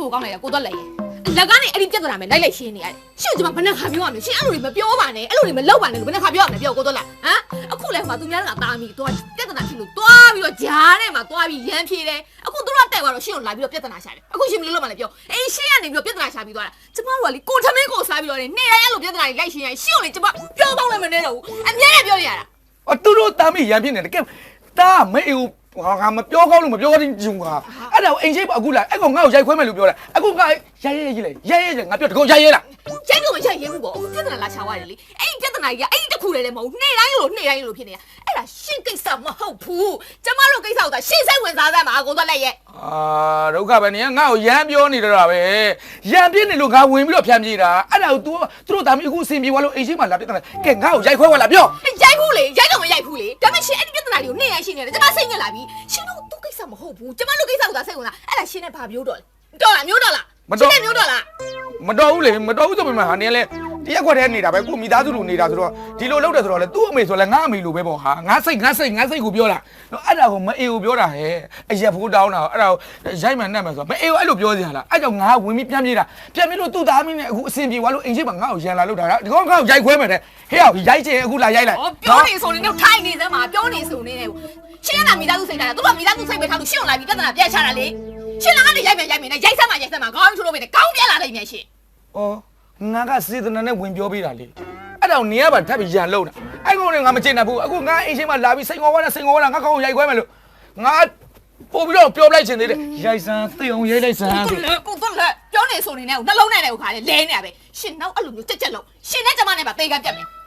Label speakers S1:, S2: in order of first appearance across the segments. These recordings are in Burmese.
S1: ကိုကောင်းလိုက်တာကိုတော့လိုက်ရဲ့လက်ကနေအဲ့ဒီပြဿနာမဲ့လိုက်ရှင်းနေရတယ်ရှင်းကျွန်မဘယ်နဲ့ခါပြောရမလဲရှင်းအဲ့လိုတွေမပြောပါနဲ့အဲ့လိုတွေမလုပ်ပါနဲ့လို့ဘယ်နဲ့ခါပြောရမလဲပြောကိုတော့လားဟမ်အခုလဲဟိုမှာသူများကတားမိတော့ပြဿနာဖြစ်လို့တွားပြီးတော့ဂျားထဲမှာတွားပြီးရမ်းဖြေတယ်အခုသူတို့တက်သွားတော့ရှင်းကိုလာပြီးတော့ပြဿနာရှာတယ်အခုရှင်းမလို့မလဲပြောအေးရှင်းကနေပြီးတော့ပြဿနာရှာပြီးသွားတာကျမတို့ကလေကိုထမင်းကိုစားပြီးတော့နေတိုင်းအဲ့လိုပြဿနာတွေလိုက်ရှင်းရရှင်းကိုလေကျမပြောပေါင်းလည်းမနေတော့ဘူးအမြဲတမ်းပြောနေရတာ
S2: အော်သူတို့တားမိရမ်းဖြစ်နေတယ်ကဲတားမအေးငါမပြောကောင်းလို့မပြောချင်းဂျုံကအဲ့ဒါကိုအိမ်ရှိအခုလာအဲ့ကောင်ငါ့ကိုရိုက်ခွဲမယ်လို့ပြောတာအခုကရဲကြီးလေငါပြောတကောရိုက်ရဲလား
S1: ရိုက်တော့မရိုက်ရဲဘူးပေါ့အခုပြဿနာလာချသွားတယ်လေအဲ့ဒီပြဿနာကြီးကအဲ့ဒီတစ်ခုတည်းလည်းမဟုတ်နေ့တိုင်းလို့ဖြစ်နေတာအဲ့ဒါရှင်းကိစ္စမဟုတ်ဘူးကျမတို့ကိစ္စကိုသာရှင်းစိတ်ဝင်စားသမှာကိုသွားလိုက်ရဲ့
S2: ဒုက္ခပဲနေငါ့ကိုရမ်းပြောနေတော့ပဲရမ်းပြင်းနေလို့ငါဝင်ပြီးတော့ဖြမ်းပြေးတာအဲ့ဒါကို तू တို့ဒါမျိုးအခုအစင်ပြေသွားလို့အိမ်ရှိမှလာပြဿနာကဲငါ့ကိုရိုက်ခွဲသွားလားပြော
S1: ရိုက်ဘူးလေရိုက်တော့မရိုက်ဘူးလေဒါပေမဲ့ရှင်းအဲ့ဒီပြဿနာတွေကိုနေ့တိုင်းရှင်းနေတယ်ကျမစိတ်ညစ်လာပြီရှင်းတော့သူ့ကိစ္စမဟုတ်ဘူးကျမတို့ကိစ္စကိုသာစိတ်ဝင်စားအဲ့ဒါရှင်းတဲ့ဘာမျိုးတော့လဲတော်လားမျိုးတော့လား
S2: မတော်လားမတော်ဘူးလေမတော်ဘူးဆိုပေမဲ့ဟာနေလဲတရက်ခွက်ထဲနေတာပဲကိုမိသားစုလိုနေတာဆိုတော့ဒီလိုလုပ်တယ်ဆိုတော့လေသူ့အမေဆိုလဲငါအမေလိုပဲပေါ့ဟာငါစိတ်ကိုပြောတာအဲ့ဒါကိုမအေကိုပြောတာဟဲ့အရက်ဖိုးတောင်းတာအဲ့ဒါကိုရိုက်မှန်နဲ့မှဆိုတော့မအေကိုအဲ့လိုပြောစရာလားအဲ့ကြောင့်ငါဝင်ပြီးပြန်ပြေးတာပြန်ပြေးလို့သူ့သားမင်းနဲ့အခုအစင်ပြေသွားလို့အိမ်ရှိမှာငါ့ကိုရန်လာလို့တာဒီကောင်ငါ့ကိုရိုက်ခွဲမယ်တဲ့ဟဲ့ရိုက်ချင်အခုလာရိုက်လိုက်
S1: ပြောနေဆိုနေတော့ထိုင်နေစမ်းမှာပြောနေဆိုနေတယ်ရှင်းရတာမိသားစုစိတ်ထားတာသူကမိသားစုစိတ်ပဲထားလို့ရှင်းအောင်လာပြီးပြဿနာပြတ်ချတာလေရှင်းလာကနေရိုက်မယ်နဲ့ရိုက်စမ်းမှာခေါင်းထိုးလို့ပဲကောင်းပြလာလိုက်မြန်ရှင်း
S2: ငါကစေတနာနဲ့ဝင်ပြောပေးတာလေအဲ့တော့နေရပါထပ်ပြီးရန်လုံးတာအဲ့ကောင်နဲ့ငါမချင်နိုင်ဘူးအခုငါအိမ်ရှိမှာလာပြီးစိန်ခေါ်ဝါတာငါကောင်းရိုက်ခွဲမယ်လို့ငါပို့ပြီးတော့ပြောလိုက်ချင်သေးတယ်ရိုက်စမ်းသိအောင်ရိုက်လိုက်စမ်း
S1: ကိုတော့လေပြောနေဆိုနေနဲ့နှလုံးနဲ့လည်းခါလေလဲနေရပဲရှင်နောက်အဲ့လိုမျိုးကြက်လုံးရှင်နဲ့ကျမနဲ့ပါတေးကပြတ်မယ်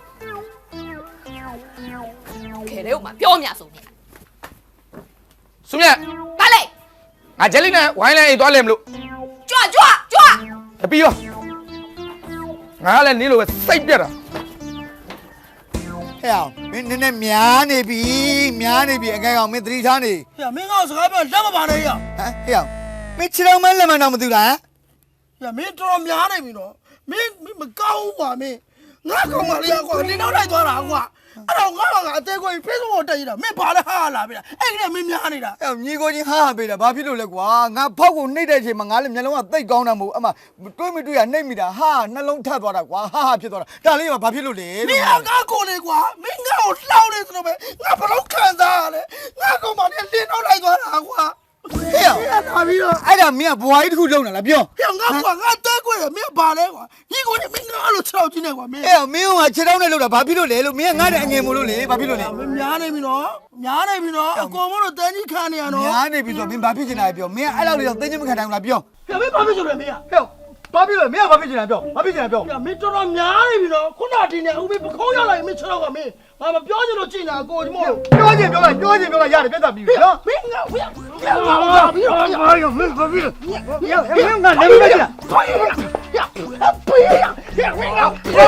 S1: ခဲလေဥမာပြောမြဆိုနေ
S2: စုမြတ်
S1: ပါလေ
S2: ငါဂျယ်လီနဲ့ဝိုင်းလိုက်အိတ်သွားလဲမလို့
S1: ကြွ
S2: ပြီးရောငါလည်းနင်းလိုပဲစိတ်ပြတ်တာ
S3: ဟဲ့အောင်မင်းနည်းနည်းများနေပြီအငယ်ကောင်မင်းသတိထားနေ
S4: ဟဲ့မင်းကစကားပြောလက်မပါနဲ့ရ
S3: ဟမ်ဟဲ့အောင်မင်းခြေတော်မဲလက်မတော့မသိလား
S4: ဟဲ့မင်းတော်များနေပြီနော်မင်းမကောင်းဘူးကွာမင်းငါကောင်မလေးကွာနင်းတော့လိုက်သွားတာကွာအဲ့တော့ငါကအသေးကို Facebook ကိုတက်ရတာမင်းဘာလဲဟာလာပြီလားအဲ့ဒီကမင်းများနေတာ
S3: ဟဲ့ညီကိုချင်းဟာပေးတာဘာဖြစ်လို့လဲကွာငါဖောက်ကိုနှိပ်တဲ့အချိန်မှာငါလည်းမျက်လုံးကတိတ်ကောင်းတာမဟုတ်အမတွေးမတွေးရနှိပ်မိတာဟာနှလုံးထပ်သွားတာကွာဟာဖြစ်သွားတာဒါလေးကဘာဖြစ်လို့လဲ
S4: မင်းငါကိုလေကွာမင်းငါ့ကိုလှောက်နေသလိုပဲငါဘလို့ခံစားရလဲငါကောင်မလေးလင်းတော့လိုက်သွားတာကွာ
S3: ဟဲ့လာပြီးတော့အဲ့ဒါမင်းကဘွားကြီးတစ်ခုလုံလာလားပြော
S4: ဟဲ့ငါကွာငါတဲခွေမင်းဘာလဲကွာညီကိုမင်းငါအဲ့လိုခြေထောက်ကြီးနေကွာမင်း
S3: ဟဲ့မင်းကခြေထောက်နဲ့လုံတာဘာဖြစ်လို့လဲလို့မင်းကငါ့တဲ့အငယ်မို့လို့လေဘာဖြစ်လို့လဲ
S4: မင်းများနေပြီနော်အကောင်မလို့တန်းကြီးခံနေရနော်
S3: များနေပြီဆိုတော့မင်းဘာဖြစ်နေတာပြောမင်းအဲ့လောက်လေးတော့သိချင်းမခံနိုင်ဘူးလားပြော
S4: ဟဲ့မင်းဘာဖြစ်ဆိုလဲမင်း
S3: ဟဲ့ဘာဖြစ်လို့မင်းကဘာဖြစ်နေတာပြောဘာဖြစ်နေတာပြော
S4: မင်းတော်တော်များနေပြီနော်ခုနဒီနေ့ဦးမင်းပခုံးရောက်လိုက်မင်းခြေထောက်ကမင်းငါမပြောချင်လို့ကြည်နာကိုဒီမို့
S3: ပြောချင်ပြောလိုက်ရတယ်ပြတ်တာပြီနော်
S4: မင်းငါပြီးတော့
S3: မင်းဘာဖြစ်လို့မင်းငါလည်းမကြည့်လား
S4: ဖေးရမင်းငါ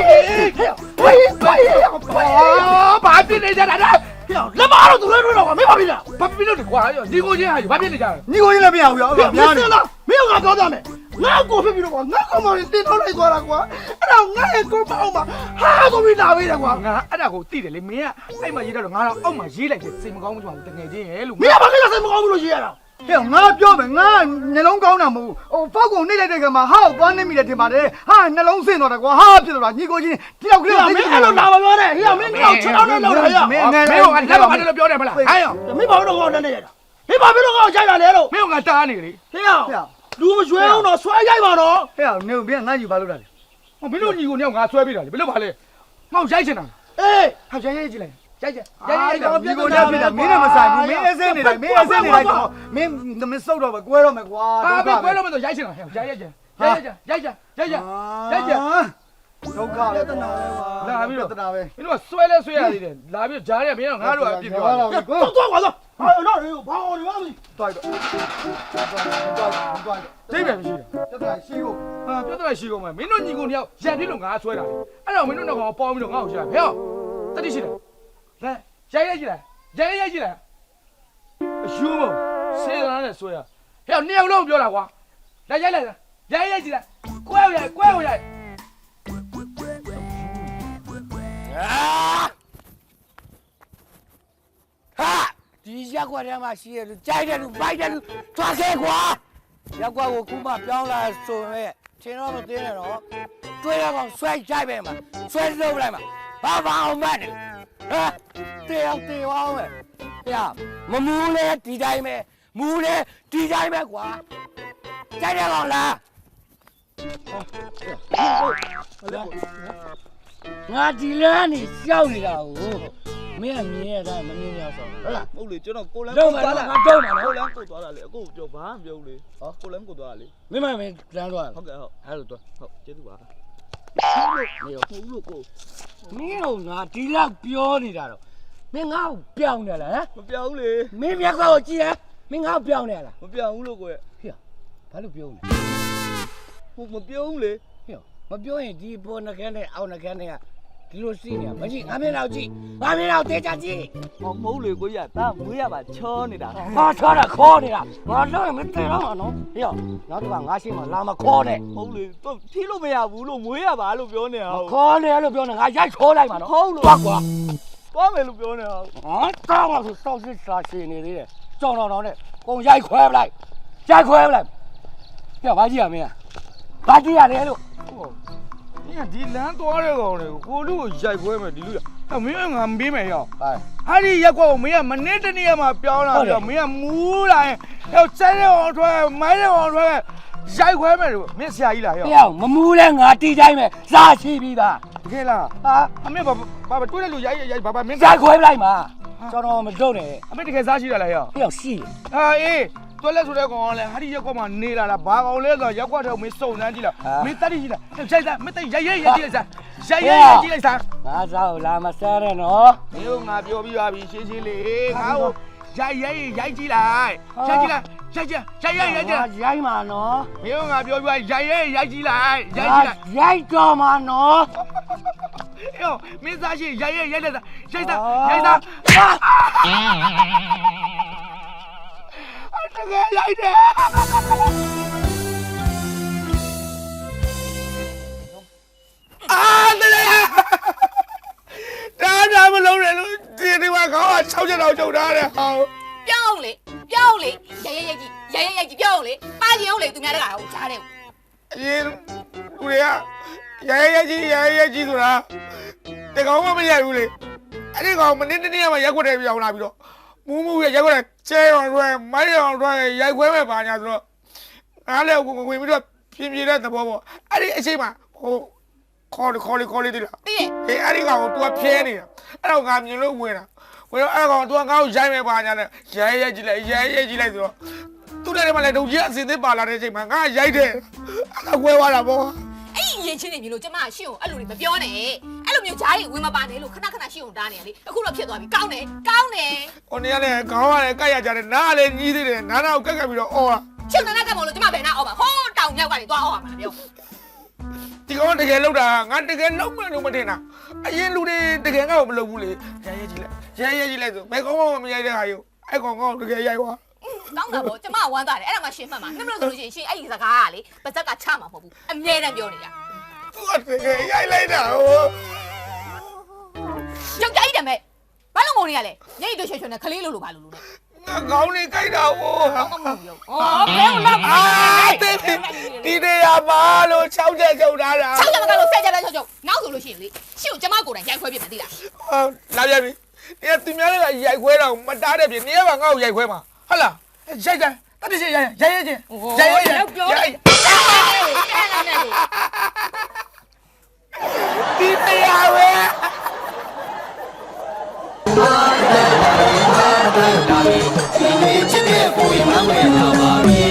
S4: ဘာဖြစ်နေကြတာလဲလက်မတော့သူလည်းတော့မင်းဘာဖြစ်လဲ
S2: ဘာဖြစ်လို့ကွာညီကိုချင်းဟာဘာဖြစ်နေကြလဲ
S3: ညီကိုချင်းလည်းမရဘူးရော
S4: များနေလားမင်းကပြောကြမယ်ငါ့ကိုဖြစ်ပြီးတော့ငါ့ကောင်မလေးတင်တော့လိုက်သွားတာကွာအဲ့တော့ငါ့ရဲ့ကိုမအောင်မှာဟာဆိုပြီးလာပေးတယ်ကွာ
S2: ငါအဲ့ဒါကိုသိတယ်လေမင်းကအဲ့မှာရေးတော့ငါတော့အောက်မှာရေးလိုက်တယ်စိတ်မကောင်းဘူးတကယ်ချင်းရဲ့လို့
S4: မင်းကဘာကိစ္စစိတ်မကောင်းဘူးလို့ရေးရတာ
S3: ဟဲ့ငါပြောမယ်ငါနှလုံးကောင်းတာမဟုတ်ဟိုဖောက်ကုန်နှိမ့်လိုက်တဲ့ခါမှာဟာကိုသွားနေမိတယ်ထင်ပါတယ်ဟာနှလုံးဆင်းသွားတာကွာဟာဖြစ်သွားတာညီကိုချင်းတယောက်ကလေး
S4: မင်းအဲ့လိုလာမပြောနဲ့ဟေ့မင်းကတော့ခြေထောက်နဲ့လောက်တာရ
S2: မင်းကလက်မပါတယ်လို့ပြောတယ်မလားဟဲ့
S4: မင်းဘာလို့တော့နဲ့ရတာမင်းဘာဖြစ်လို့ကောရိုက်တာလဲလို့
S2: မင်းကတားနေလေ
S4: ဟေ့လူမရွှဲအောင်တော့ဆွဲရိုက်ပါတော့
S3: ဟဲ့နေမင်းငါယူပါလို့တာလေ
S2: ဟောမင်းတို့ညီကိုနေငါဆွဲပေးတာလေဘယ်လိုပါလဲငါ့ရိုက်ချင်တာ
S4: အေး
S2: ဟာရိုက်ကြည့်လိုက်ရိုက်
S3: ညီကိုနဲ့ပြည်တာမင်းနဲ့မဆိုင်ဘူးမင်းအစင်းနေတယ်မင်းအစင်းနေလိုက်တော့မင်းစုတ်တော့ပဲကွဲတော့မယ်ကွာ
S2: ဟာပဲကွဲတော့မယ်ဆိုရိုက်ချင်တာဟဲ့ရိုက်ကြ
S3: ဒုက္ခပဲတနာပဲကွာ
S2: လာပြီးတော့
S3: တနာပဲ
S2: မင်းတို့ကဆွဲလဲဆွဲရသေးတယ်လာပြီးကြားရမင်းကငါတို့ကအပြစ်ပြောတာ
S4: တော့ကွာတော့တော့ဘာအော်ဒီပါမ
S3: းတွိုက်တော့
S2: ဒိတ်ပဲမရှိ
S3: တယ်တနာရှိဖို့
S2: ဟာပြဿနာရှိကုန်မယ်မင်းတို့ညီကိုတယောက်ရံပြစ်လို့ငါဆွဲတာလေအဲ့တော့မင်းတို့တော့ပေါင်းပြီးတော့ငါ့ကိုရှာဟဲ့တတိရှိတယ်လဲရိုက်ကြည့်လားရိုက်ကြည့်လားအရှူးမစေးသားနဲ့ဆွဲရဟဲ့နှစ်ယောက်လုံးပြောတာကွာလာရိုက်ကြည့်လားကွဲရိုက်
S3: ဟာဒီရက်ကွက်ထဲမှာရှိရလူကြိုက်တယ်လူပိုက်တယ်လူသွားခဲ့ကွာ
S5: ရက်ကွက်ကိုခုမှပြောင်းလာဆိုရင်ထင်တော့မသိနဲ့တော့တွေးရကောင်ဆွဲကြိုက်ပဲမှာဆွဲလုပ်လိုက်မှာဘာအောင်မတ်နေဟမ်တေအောင်ပဲပြမမူးလဲဒီတိုင်းပဲမူးလဲဒီတိုင်းပဲကွာကြိုက်တယ်ကောင်လားငါဒီလမ်းနေရှောက်နေတာကိုမင်းကမြင်ရတာမမြင်ရဆောင်ဟုတ်လား
S6: ဟုတ်လေကျွန်တော်ကိုလန်း
S5: တော့မှာငါတော့မှာ
S6: ကို
S5: နော်
S6: လန်းကိုသွားတာလေအခုပြောဘာမှပြောလေဟောကိုလန်းကိုသွားတာလေ
S5: မင်းမလမ်းသွား
S6: ဟုတ်ကဲ့ဟုတ်
S5: အဲ့လိုတော့
S6: ဟုတ်ကျေးဇူးပါ
S5: နေရော
S6: ဟုတ်လို့ကို
S5: မင်းတို့ငါဒီလောက်ပြောနေတာတော့မင်းငါ့ကိုပြောင်းနေလားဟမ်
S6: မပြောင်းလေ
S5: မင်းမျက်ကောက်ကိုကြည့်ရမင်းငါ့ကိုပြောင်းနေလား
S6: မပြောင်းဘူးလို့ကိုရဲ့
S5: ဟေ့ဘာလို့ပြောလဲ
S6: ဟုတ်မပြောင်းလေ
S5: ဟေ့မပြောရင်ဒီပေါ်နှကန်းနဲ့အောက်နှကန်းနဲ့ကဒီလိုစီးနေတာမကြည့်ငါမျက်နှာကြည့်ငါမျက်နှာတေချာကြည့်
S6: ဟောမဟုတ်လေကိုရတာမွေးရပါချောနေတာ
S5: ဟာထားတာခေါ်နေတာငါတော့မသိတော့မှာနော်ဟေ့နောက်တော့ငါရှိမှလာမခေါ်နဲ့
S6: ဟုတ်လေတော့ဖြီးလို့မရဘူးလို့မွေးရပါလို့ပြောနေတာဟုတ်
S5: ခေါ်နေလို့ပြောနေငါရိုက်ခေါ်လိုက်မှာနော်
S6: ဟုတ်လို့
S5: သွားကွာ
S6: သွားမယ်လို့ပြောနေတာဟုတ်
S5: ဟာတောင်းလို့စောက်စစ်စာရှင်နေသေးတယ်ကြောင်တော်နဲ့ကုန်ရိုက်ခွဲပလိုက်ရိုက်ခွဲပလိုက်ပြဘာကြည့်ရမင်းဘာကြည့်ရတယ်လို့
S2: 你看，ဒီလမ်းသွားတဲ့ကောင်တွေကိုလူကိုရိုက်ခွဲမယ်ဒီလူကမင်းငါမပေးမယ်ရော
S5: ဟဲ့
S2: အဲ့ဒီရက်ကွက်ကိုမင်းကမနေ့တနေ့မှပြောင်းလာပြီးတော့မင်းကမူးလာရင်ဟဲ့စဲတဲ့အောင်ထွက်မိုင်းတဲ့အောင်ထွက်ရိုက်ခွဲမယ်လို့မင်းဆရာကြီးလားရော
S5: တယောက်မမူးလဲငါတီးတိုင်းပဲစားရှိပြီးသား
S2: တကယ်လား
S5: ဟာ
S2: အမေဘာတွေးတဲ့လူရိုက်ဘာမင်း
S5: ရိုက်ခွဲပလိုက်မှာကျွန်တော်မလုပ်နဲ့
S2: အမေတကယ်စားရှိရလားရော
S5: တယောက်ရှိတယ်
S2: ဟာအေးတွက်လက်ဆိုတဲ့ကောင်ကလည်းဟာဒီရက်ကွက်မှာနေလာတာဘာကောင်လဲဆိုတော့ရက်ကွက်ထဲကိုမင်းစုံစမ်းကြည့်လားမင်းတက်ကြည့်လားရိုက်စားမင်းတက်ရိုက်ကြည့်လိုက်စားရိုက်ကြည့်လိုက်စား
S5: ငါစားကိုလာမစားနဲ့နော်
S2: မင်းတို့ငါပြောပြီးပါပြီရှင်းရှင်းလေးငါ့ကိုရိုက်ကြည့်လိုက်ရိုက်ကြည့်လိုက်ရိုက်ကြည့်
S5: ရိုက်မှာနော်
S2: မင်းတို့ငါပြောပြီးပါရိုက်ကြည့်လိုက်ရိုက်ကြည့်လိုက်
S5: ရိုက်တော့မှာနော်
S2: ယောမင်းသားရှိရိုက်လိုက်စားရိုက်စားတကယ်ရိုက်တယ်အာတလေဒါမလုံးနဲ့လို့ဒီမှာခေါင်းက6ချက်တော့ကျုပ်ထားတယ်ဟော
S1: ပြောင်းလေရိုက်ကြည့်ပြောင်းလေပါချင်အောင်လေသူများတကာကိုကြားတယ်
S2: အရင်လူတွေကရိုက်ကြီးဆိုတာတကောင်မှမရိုက်ဘူးလေအဲ့ဒီကောင်မနေ့တနေ့မှရက်ွက်တယ်ပြောင်းလာပြီးတော့မူးရက်ွက်တယ်ကျဲအောင်တွဲမိုင်းအောင်တွဲရိုက်ခွဲမဲ့ပါညာဆိုတော့ငါလည်းဝင်ပြီးတော့ပြင်းတဲ့သဘောပေါ့အဲ့ဒီအချိန်မှာဟိုခေါ်လေးတိလား
S1: သိရဲ့
S2: ဟေးအဲ့ဒီကောင်က तू ဖျဲနေတာအဲ့တော့ငါမြင်လို့ဝင်တော့အဲ့ကောင် तू ငါ့ကိုရိုက်မဲ့ပါညာနဲ့ရိုက်ကြည့်လိုက်ဆိုတော့သူ့လည်းမလည်းဒုံကြီးအစင်သစ်ပါလာတဲ့အချိန်မှာငါရိုက်တယ်အဲ့ကွဲသွားတာပေါ့
S1: အဲ့ရင်ချင်းနေပြီလို့ကျမရှင်းကိုအဲ့လိုတွေမပြောနဲ့အဲ့လိုမျိုးဂျားကြီးဝင်မပါနဲ့လို့ခဏရှင်းကိုတားနေရလေအခုတော့ဖြစ်သွားပြီကောင်းတယ်
S2: ။ကိုနေရလေခေါင်းကလည်းကတ်ရကြတယ်နားကလည်းကြီးသေးတယ်နားနာကိုကတ်ပြီးတော့အော်
S1: ချစ်နာကမောလို့ကျမဘယ်နာအောက်ပါဟိုးတောင်မြောက်ကနေသွားအောက်ပါမှာပြော
S2: ။ဒီကောင်တကယ်လောက်တာငါတကယ်လောက်မယ်လို့မထင်တာ။အရင်လူတွေတကယ်ငါ့ကိုမလုပ်ဘူးလေ။ရိုက်ကြည့်လိုက်ဆိုဘယ်ကောင်မှမရိုက်တဲ့ခါယူအဲ့ကောင်ကတကယ်ရိုက်သွား
S1: ကောင်းတာပေါ့ကျမဝမ်းသာတယ်အဲ့ဒါမှရှင်းမှတ်မှာနှမလို့ဆိုလို့ရှိရင်ရှင်းအဲ့ဒီစကားကလေပါဇက်ကချမှာမဟုတ်ဘူးအမြဲတမ်းပြောနေတာ
S2: ။ तू တကယ်ရိုက်လိုက်တာဟို
S1: ကြောက်ကြိုက်တယ်မဲ့ဘာလို့ငုံနေရလဲညိတ်တို့ရွှေနဲ့ခလေးလို့ဘာလို့လဲ
S2: ငါကောင်းနေကြိုက်တာဟို
S1: ကောင်းမမှုရောဩဘယ်လောက်ပါ
S2: ဒီနေရာမှာလို့6ချက်ချုပ်ထားတာ
S1: 6ချက်မကလို့10ချက်ပဲချုပ်နောက်ဆိုလို့ရှိရင်လေရှင်းကိုကျမကိုယ်တိုင်ရိုက်ခွဲပြမယ်သိလား
S2: လာပြန်ပြီ။ဒီသူများတွေကရိုက်ခွဲတော့မတားတဲ့ပြင်နေရာမှာငါ့ကိုရိုက်ခွဲမှာဟုတ်လား။ရိုက်တယ်တတိရှိရိုက်ချင်းဒီတရားပဲ
S7: ဒီနေ့ချစ်တဲ့ကိုယ်မှမဝင်တော့ပါဘူး